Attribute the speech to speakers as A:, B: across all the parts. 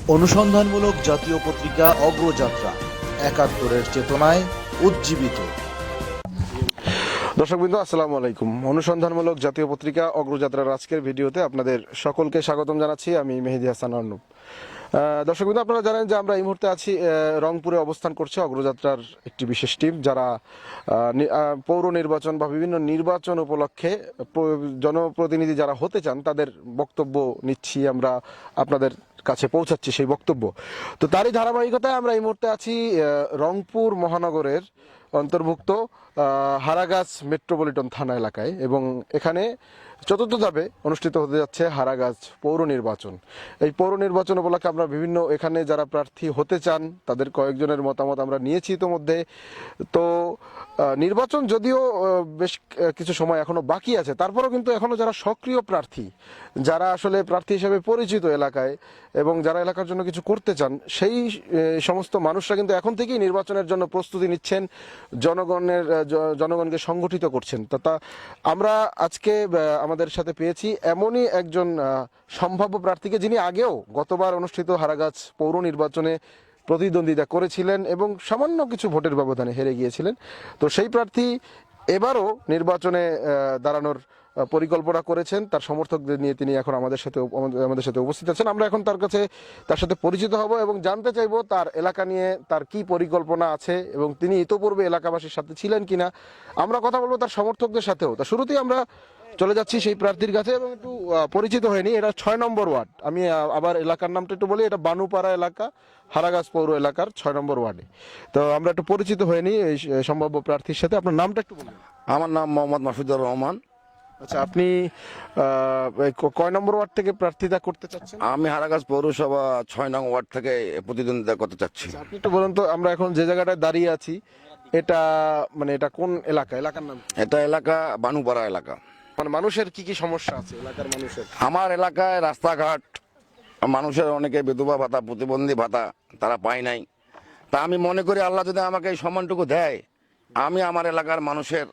A: অনুসন্ধানমূলক জাতীয় পত্রিকা অগ্রযাত্রা, ৭১-এর চেতনায় উজ্জীবিত।
B: দর্শকবৃন্দ, আসসালামু আলাইকুম। অনুসন্ধানমূলক জাতীয় পত্রিকা অগ্রযাত্রার আজকের ভিডিওতে আপনাদের সকলকে স্বাগতম জানাচ্ছি। আমি মেহেদী হাসান অর্ণব। দর্শকবৃন্দ, আপনারা জানেন যে আমরা এই মুহূর্তে আছি রংপুরে অবস্থান করছে অগ্রযাত্রার একটি বিশেষ টিম, যারা পৌর নির্বাচন বা বিভিন্ন নির্বাচন উপলক্ষে জনপ্রতিনিধি যারা হতে চান তাদের বক্তব্য নিচ্ছি, আমরা আপনাদের কাছে পৌঁছাচ্ছি সেই বক্তব্য। তো তারই ধারাবাহিকতায় আমরা এই মুহূর্তে আছি রংপুর মহানগরের অন্তর্ভুক্ত হারাগাছ মেট্রোপলিটন থানা এলাকায়, এবং এখানে চতুর্থ ধাপে অনুষ্ঠিত হতে যাচ্ছে হারাগাছ পৌর নির্বাচন। এই পৌর নির্বাচন উপলক্ষে আমরা বিভিন্ন এখানে যারা প্রার্থী হতে চান তাদের কয়েকজনের মতামত আমরা নিয়েছি ইতোমধ্যে। তো নির্বাচন যদিও বেশ কিছু সময় এখনো বাকি আছে, তারপরেও কিন্তু এখনো যারা সক্রিয় প্রার্থী, যারা আসলে প্রার্থী হিসেবে পরিচিত এলাকায় এবং যারা এলাকার জন্য কিছু করতে চান, সেই সমস্ত মানুষরা কিন্তু এখন থেকেই নির্বাচনের জন্য প্রস্তুতি নিচ্ছেন, জনগণকে সংগঠিত করছেন। তা আমরা আজকে আমাদের সাথে পেয়েছি এমনই একজন সম্ভাব্য প্রার্থীকে, যিনি আগেও গতবার অনুষ্ঠিত হারাগাছ পৌর নির্বাচনে প্রতিদ্বন্দ্বিতা করেছিলেন এবং সামান্য কিছু ভোটের ব্যবধানে হেরে গিয়েছিলেন। তো সেই প্রার্থী এবারও নির্বাচনে দাঁড়ানোর পরিকল্পনা করেছেন। তার সমর্থকদের নিয়ে তিনি এখন আমাদের সাথে উপস্থিত আছেন। আমরা এখন তার সাথে পরিচিত হব এবং জানতে চাইবো তার এলাকা নিয়ে তার কি পরিকল্পনা আছে এবং তিনি ইতোপূর্বে এলাকাবাসীর সাথে ছিলেন কিনা। আমরা কথা বলবো তার সমর্থকদের সাথেও। তা শুরুতেই আমরা চলে যাচ্ছি সেই প্রার্থীর কাছে এবং একটু পরিচিত হয়নি। এটা ৬ নম্বর ওয়ার্ড। আমি আবার এলাকার নামটা একটু বলি, এটা বানুপাড়া এলাকা, হারাগাছ পৌর এলাকার ৬ নম্বর ওয়ার্ডে। তো আমরা একটু পরিচিত হয়নি এই সম্ভাব্য প্রার্থীর সাথে। আপনার নামটা একটু বলুন।
C: আমার নাম মোহাম্মদ মাসুদুর রহমান।
B: আচ্ছা, আপনি কয় নম্বর ওয়ার্ড থেকে প্রার্থিতা করতে চাচ্ছেন?
C: আমি হারাগাছ পৌরসভা ৬ নং ওয়ার্ড থেকে প্রতিদ্বন্দ্বিতা করতে চাচ্ছি।
B: আপনি একটু বলুন তো, আমরা এখন যে জায়গাটায় দাঁড়িয়ে আছি এটা এটা কোন এলাকা? এলাকার নাম?
C: এটা এলাকা বানুপাড়া এলাকা।
B: মানে মানুষের কি কি সমস্যা আছে এলাকার মানুষের?
C: আমার এলাকায় রাস্তাঘাট, মানুষের অনেকে বিধবা ভাতা, প্রতিবন্ধী ভাতা তারা পায় নাই। তা আমি মনে করি আল্লাহ যদি আমাকে এই সম্মানটুকু দেয়, আমি আমার এলাকার মানুষের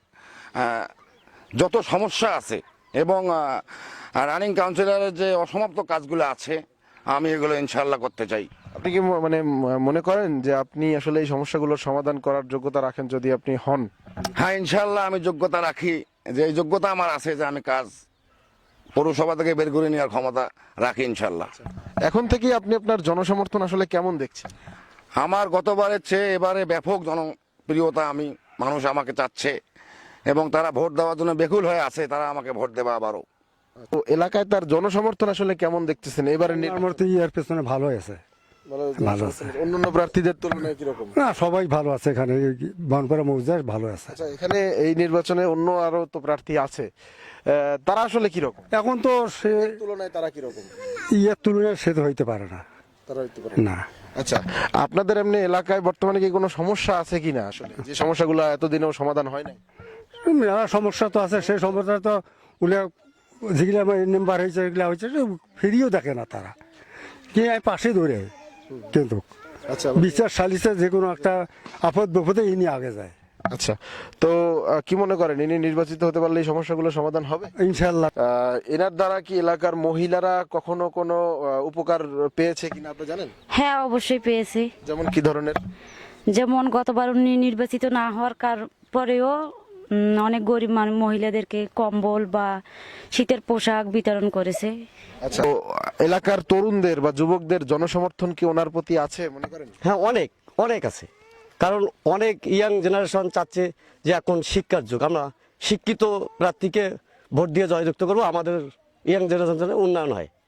C: যত সমস্যা আছে এবং রানিং কাউন্সিলরের যে অসমাপ্ত কাজগুলো আছে, আমি এগুলো ইনশাল্লাহ করতে চাই।
B: আপনি কি মনে করেন যে আপনি আসলে এই সমস্যাগুলোর সমাধান করার যোগ্যতা রাখেন যদি আপনি হন?
C: হ্যাঁ, ইনশাল্লাহ আমি যোগ্যতা রাখি, যে এই যোগ্যতা আমার আছে যে আমি কাজ পৌরসভা থেকে বের করে নেওয়ার ক্ষমতা রাখি ইনশাল্লাহ।
B: এখন থেকে আপনি আপনার জনসমর্থন আসলে কেমন দেখছেন?
C: আমার গতবারের চেয়ে এবারে ব্যাপক জনপ্রিয়তা, মানুষ আমাকে চাচ্ছে এবং তারা ভোট দেওয়ার জন্য বেকুল হয়ে আছে, তারা আমাকে ভোট দেবে আবারও।
B: তো এলাকায় তার জনসমর্থন আসলে কেমন দেখতেছেন এবারে?
D: এর পেছনে ভালো আছে, ভালো আছে।
B: অন্যান্য প্রার্থীদের তুলনায় কিরকম?
D: না, সবাই ভালো আছে এখানে, বানপাড়া মৌজার ভালো আছে।
B: আচ্ছা, এখানে এই নির্বাচনে অন্য আরো তো প্রার্থী আছে, তারা আসলে কিরকম?
D: এখন তো সে
B: তুলনায় তারা কিরকম?
D: তুলনায় সে তো হইতে পারে না,
B: তারা হইতে পারে
D: না।
B: আচ্ছা, আপনাদের এমনি এলাকায় বর্তমানে কি কোনো সমস্যা আছে কিনা, আসলে যে সমস্যাগুলো এতদিনেও সমাধান হয় নাই?
D: মেলা সমস্যা তো আছে, সেই সমস্যা তো উলে যেগুলা নাম্বার হয়েছে, এগুলা হয়েছে, ফিরিয়েও দেখে না তারা, কি পাশে ধরে। কিন্তু
B: আচ্ছা,
D: বিচার সালিসে যে কোনো একটা আপদ বিপদে ইনি আগে যায়।
B: আচ্ছা, তো কি মনে করেন ইনি নির্বাচিত হতে পারলে এই সমস্যাগুলো সমাধান হবে
D: ইনশাল্লাহ?
B: এনার দ্বারা কি এলাকার মহিলারা কখনো কোনো উপকার পেয়েছে কিনা আপনি জানেন?
E: হ্যাঁ, অবশ্যই পেয়েছি।
B: যেমন কি ধরনের?
E: যেমন গতবার উনি নির্বাচিত না হওয়ার পরেও অনেক গরিব মহিলাদেরকে কম্বল বা শীতের পোশাক বিতরণ করেছে।
B: আচ্ছা, তো এলাকার তরুণদের বা যুবকদের জনসমর্থন কি ওনার প্রতি আছে মনে করেন?
F: হ্যাঁ, অনেক অনেক আছে। কারণ অনেক ইয়াং জেনারেশন চাচ্ছে যে এখন শিক্ষার যুগ, আমরা শিক্ষিত প্রার্থীকে ভোট দিয়ে জয়যুক্ত করবো, আমাদের ইয়াং জেনারেশনের উন্নয়ন হয়।